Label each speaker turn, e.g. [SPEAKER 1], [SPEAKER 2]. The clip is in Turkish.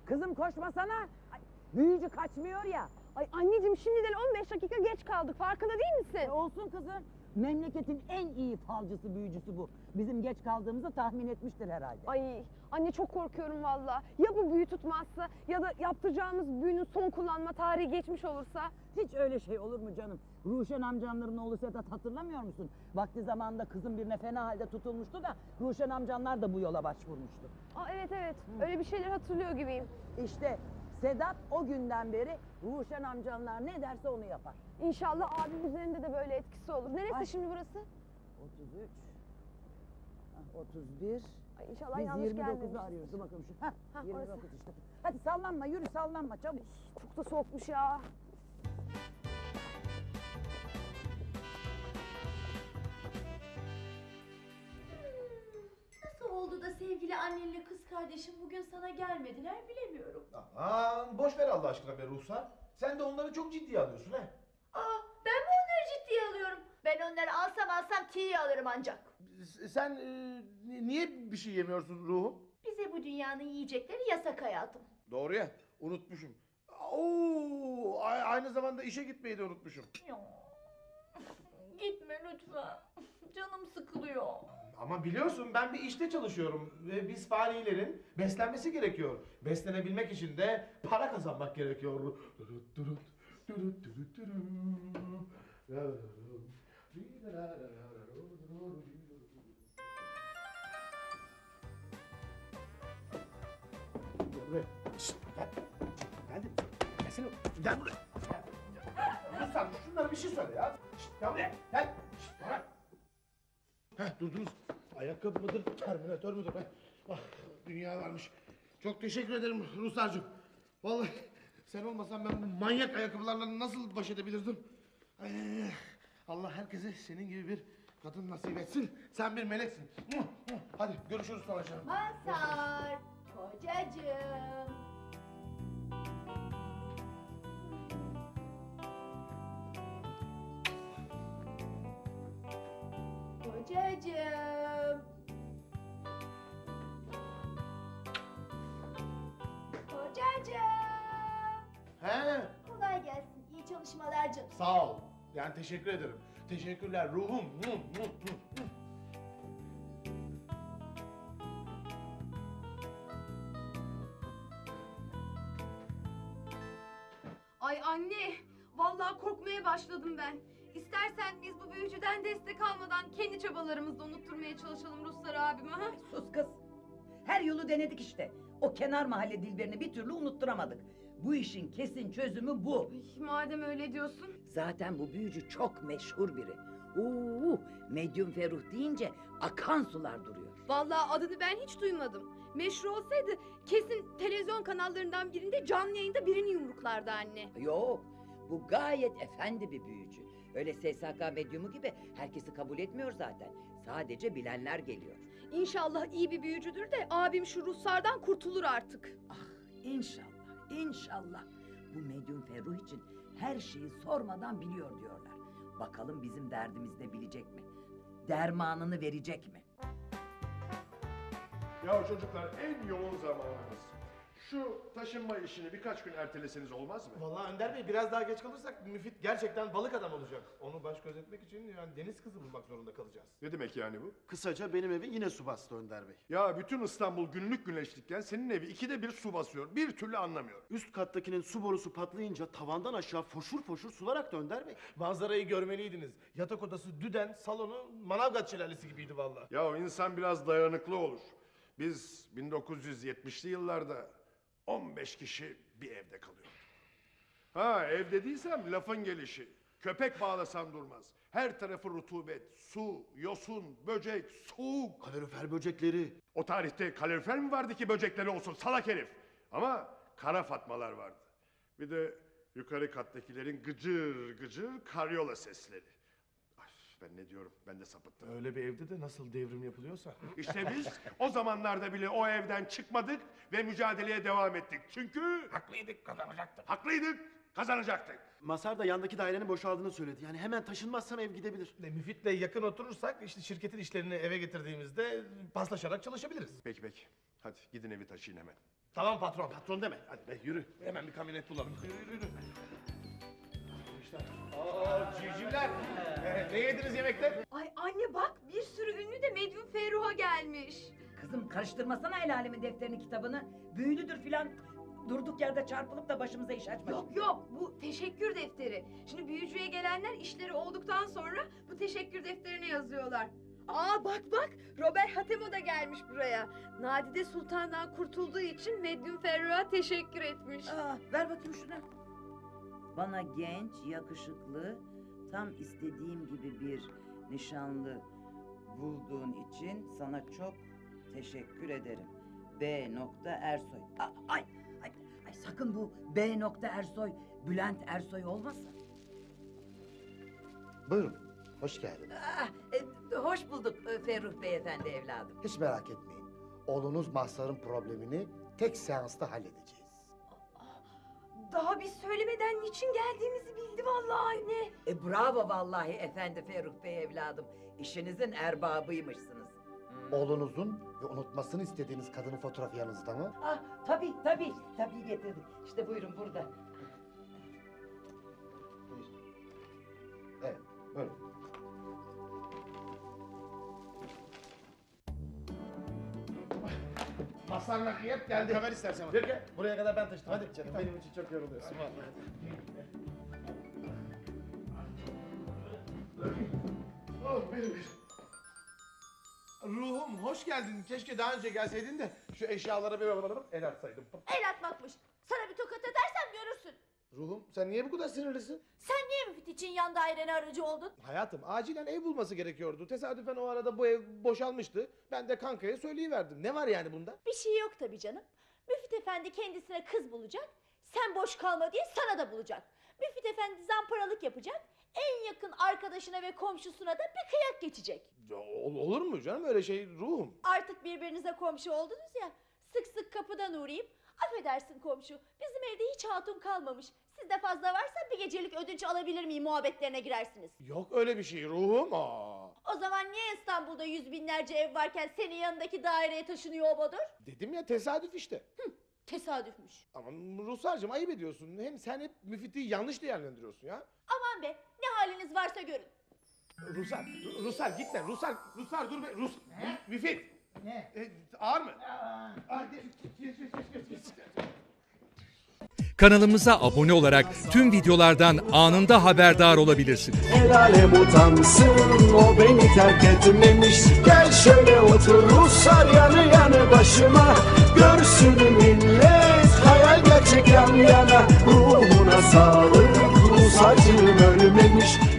[SPEAKER 1] Kızım koşmasana. Ay, büyücü kaçmıyor ya.
[SPEAKER 2] Ay anneciğim şimdiden 15 dakika geç kaldık. Farkında değil misin?
[SPEAKER 1] Olsun kızım. Memleketin en iyi falcısı, büyücüsü bu. Bizim geç kaldığımızı tahmin etmiştir herhalde.
[SPEAKER 2] Ay anne çok korkuyorum valla. Ya bu büyü tutmazsa ya da yaptıracağımız büyünün son kullanma tarihi geçmiş olursa?
[SPEAKER 1] Hiç öyle şey olur mu canım? Ruşen amcanların oğlu Sedat hatırlamıyor musun? Vakti zamanında kızım birine fena halde tutulmuştu da Ruşen amcanlar da bu yola başvurmuştu.
[SPEAKER 2] Aa, evet öyle bir şeyler hatırlıyor gibiyim.
[SPEAKER 1] İşte Sedat o günden beri Ruşen amcanlar ne derse onu yapar.
[SPEAKER 2] İnşallah abim üzerinde de böyle etkisi olur. Neresi
[SPEAKER 1] Ay.
[SPEAKER 2] şimdi burası?
[SPEAKER 1] 33, 31,
[SPEAKER 2] Ay inşallah
[SPEAKER 1] biz
[SPEAKER 2] yanlış
[SPEAKER 1] 29'u
[SPEAKER 2] gelmemişiz.
[SPEAKER 1] arıyoruz. Dur bakalım şu.
[SPEAKER 2] Hah,
[SPEAKER 1] 29
[SPEAKER 2] orası.
[SPEAKER 1] işte. Hadi sallanma, yürü sallanma çabuk.
[SPEAKER 2] Çok da soğukmuş ya.
[SPEAKER 3] Nasıl oldu da sevgili annenle kız kardeşim bugün sana gelmediler bilemiyorum.
[SPEAKER 4] Aman boş ver Allah aşkına be Ruhsar. Sen de onları çok ciddiye alıyorsun he.
[SPEAKER 3] Aa, ben mi onları ciddiye alıyorum? Ben onları alsam tiye alırım ancak.
[SPEAKER 4] Sen niye bir şey yemiyorsun ruhum?
[SPEAKER 3] Bize bu dünyanın yiyecekleri yasak hayatım.
[SPEAKER 4] Doğru ya, unutmuşum. Oo, aynı zamanda işe gitmeyi de unutmuşum.
[SPEAKER 3] Ya, gitme lütfen. Canım sıkılıyor.
[SPEAKER 4] Ama biliyorsun ben bir işte çalışıyorum ve biz fanilerin beslenmesi gerekiyor. Beslenebilmek için de para kazanmak gerekiyor. Gel buraya. Şşt, gel. Geldim. Gelsene. Gel buraya. Lütfen şunlara bir şey söyle ya. Şşt, gel buraya. Gel. Şşt, bırak. Heh, durdunuz. Ayakkabı mıdır, terminatör müdür? Ah, dünya varmış. Çok teşekkür ederim Ruslarcığım. Vallahi sen olmasan ben bu manyak ayakkabılarla nasıl baş edebilirdim? Allah herkese senin gibi bir kadın nasip etsin. Sen bir meleksin. Hadi görüşürüz sonra canım.
[SPEAKER 3] Mazhar, kocacığım. Kocacığım. Kocacığım.
[SPEAKER 4] He,
[SPEAKER 3] Kolay gelsin. İyi çalışmalar canım.
[SPEAKER 4] sağ ol. Yani teşekkür ederim. Teşekkürler ruhum.
[SPEAKER 2] Ay anne, vallahi korkmaya başladım ben. İstersen biz bu büyücüden destek almadan kendi çabalarımızla unutturmaya çalışalım Ruslar abime ha?
[SPEAKER 1] Sus kız. Her yolu denedik işte. O kenar mahalle dilberini bir türlü unutturamadık. Bu işin kesin çözümü bu.
[SPEAKER 2] Ay, madem öyle diyorsun.
[SPEAKER 1] Zaten bu büyücü çok meşhur biri. Medyum Ferruh deyince akan sular duruyor.
[SPEAKER 2] Vallahi adını ben hiç duymadım. Meşhur olsaydı kesin televizyon kanallarından birinde canlı yayında birini yumruklardı anne.
[SPEAKER 1] Yok, bu gayet efendi bir büyücü. Öyle SSK medyumu gibi herkesi kabul etmiyor zaten. Sadece bilenler geliyor.
[SPEAKER 2] İnşallah iyi bir büyücüdür de abim şu Ruslardan kurtulur artık.
[SPEAKER 1] Ah, inşallah, inşallah. Bu medyum Ferruh için her şeyi sormadan biliyor diyorlar. Bakalım bizim derdimizi de bilecek mi? Dermanını verecek mi?
[SPEAKER 5] Ya çocuklar en yoğun zamanımız. Şu taşınma işini birkaç gün erteleseniz olmaz mı?
[SPEAKER 4] Vallahi Önder Bey biraz daha geç kalırsak Müfit gerçekten balık adam olacak. Onu baş gözetmek için yani deniz kızı bulmak zorunda kalacağız.
[SPEAKER 5] Ne demek yani bu?
[SPEAKER 6] Kısaca benim evi yine su bastı Önder Bey.
[SPEAKER 5] Ya bütün İstanbul günlük güneşlikken senin evi 2'de 1 su basıyor. Bir türlü anlamıyorum.
[SPEAKER 6] Üst kattakinin su borusu patlayınca tavandan aşağı foşur foşur sular aktı Önder Bey.
[SPEAKER 4] Manzarayı görmeliydiniz. Yatak odası düden, salonu Manavgat şelalesi gibiydi vallahi.
[SPEAKER 5] Ya insan biraz dayanıklı olur. Biz 1970'li yıllarda 15 kişi bir evde kalıyorduk. Ha evde değilsem lafın gelişi. Köpek bağlasan durmaz. Her tarafı rutubet, su, yosun, böcek, soğuk.
[SPEAKER 6] Kalorifer böcekleri.
[SPEAKER 5] O tarihte kalorifer mi vardı ki böcekleri olsun salak herif? Ama kara fatmalar vardı. Bir de yukarı kattakilerin gıcır gıcır karyola sesleri. Ay, ben ne diyorum? Ben de sapıttım.
[SPEAKER 4] Öyle bir evde de nasıl devrim yapılıyorsa.
[SPEAKER 5] İşte biz o zamanlarda bile o evden çıkmadık ve mücadeleye devam ettik. Çünkü
[SPEAKER 4] Haklıydık, kazanacaktık.
[SPEAKER 5] haklıydık, kazanacaktık.
[SPEAKER 6] Masar da yandaki dairenin boşaldığını söyledi. Yani hemen taşınmazsam ev gidebilir.
[SPEAKER 4] Müfit'le yakın oturursak işte şirketin işlerini eve getirdiğimizde paslaşarak çalışabiliriz.
[SPEAKER 5] Peki peki. Hadi gidin evi taşıyın hemen.
[SPEAKER 4] Tamam patron, patron deme. Hadi be yürü. Hemen bir kamyonet bulalım. Yürü. İşte. Civcivler. Ne yediniz yemekte?
[SPEAKER 2] Ay anne bak bir sürü ünlü de Medyum Ferruh'a gelmiş.
[SPEAKER 1] Kızım karıştırmasana el alemin defterini kitabını. Büyülüdür filan. Durduk yerde çarpılıp da başımıza iş açma.
[SPEAKER 2] Yok bu teşekkür defteri. Şimdi büyücüye gelenler işleri olduktan sonra bu teşekkür defterine yazıyorlar. Aa bak Robert Hatemo da gelmiş buraya. Nadide Sultan'dan kurtulduğu için Medyum Ferruh'a teşekkür etmiş.
[SPEAKER 1] Ver bakayım şunu. Bana genç, yakışıklı, tam istediğim gibi bir nişanlı bulduğun için sana çok teşekkür ederim. B. Ersoy. Ay sakın bu B. Ersoy Bülent Ersoy olmasın.
[SPEAKER 7] Buyurun, hoş geldiniz.
[SPEAKER 1] Hoş bulduk Ferruh Beyefendi evladım.
[SPEAKER 7] Hiç merak etmeyin. Oğlunuz Mazhar'ın problemini tek seansta halledeceğiz.
[SPEAKER 2] Daha biz söylemeden niçin geldiğimizi bildi vallahi anne.
[SPEAKER 1] Bravo vallahi efendi Ferruh Bey evladım. İşinizin erbabıymışsınız.
[SPEAKER 7] Oğlunuzun ve unutmasını istediğiniz kadının fotoğrafı yanınızda mı?
[SPEAKER 1] Tabii getirdik. İşte buyurun burada.
[SPEAKER 7] Evet, buyurun.
[SPEAKER 4] Masar nakliyat geldi.
[SPEAKER 6] Haber istersen bak.
[SPEAKER 4] Peki, buraya kadar ben taşıdım. Hadi
[SPEAKER 6] Canım benim için çok yoruluyorsun vallahi.
[SPEAKER 4] Oh benim. Ruhum hoş geldin. Keşke daha önce gelseydin de şu eşyalara bir el atsaydım.
[SPEAKER 3] El atmakmış. Sana bir tokat edersem görürsün.
[SPEAKER 4] Ruhum sen niye bu kadar sinirlisin?
[SPEAKER 3] Sen niye Müfit için yan dairene aracı oldun?
[SPEAKER 4] Hayatım acilen ev bulması gerekiyordu. Tesadüfen o arada bu ev boşalmıştı. Ben de kankaya söyleyiverdim. Ne var yani bunda?
[SPEAKER 3] Bir şey yok tabii canım. Müfit Efendi kendisine kız bulacak. Sen boş kalma diye sana da bulacak. Müfit Efendi zamparalık yapacak. En yakın arkadaşına ve komşusuna da bir kıyak geçecek.
[SPEAKER 4] Ya, olur mu canım öyle şey ruhum?
[SPEAKER 3] Artık birbirinize komşu oldunuz ya. Sık sık kapıdan uğrayıp affedersin komşu bizim evde hiç hatun kalmamış. Sizde fazla varsa bir gecelik ödünç alabilir miyim muhabbetlerine girersiniz.
[SPEAKER 4] Yok öyle bir şey ruhum. Aa.
[SPEAKER 3] O zaman niye İstanbul'da yüz binlerce ev varken senin yanındaki daireye taşınıyor o Badur?
[SPEAKER 4] Dedim ya tesadüf işte.
[SPEAKER 3] Tesadüfmüş.
[SPEAKER 4] Ama Ruhsar'cığım ayıp ediyorsun. Hem sen hep Müfit'i yanlış değerlendiriyorsun ya.
[SPEAKER 3] Aman be ne haliniz varsa görün.
[SPEAKER 4] Ruslar gitme. Ruslar dur be. Müfit.
[SPEAKER 6] Ne?
[SPEAKER 4] Ağır mı?
[SPEAKER 8] Kanalımıza abone olarak tüm videolardan anında haberdar olabilirsiniz.
[SPEAKER 9] El alem utansın o beni terk etmemiş. Gel şöyle otur Ruslar yanı yanı başıma. Görsün millet hayal gerçek yan yana. Ruhuna sağlık Rus acım ölmemiş.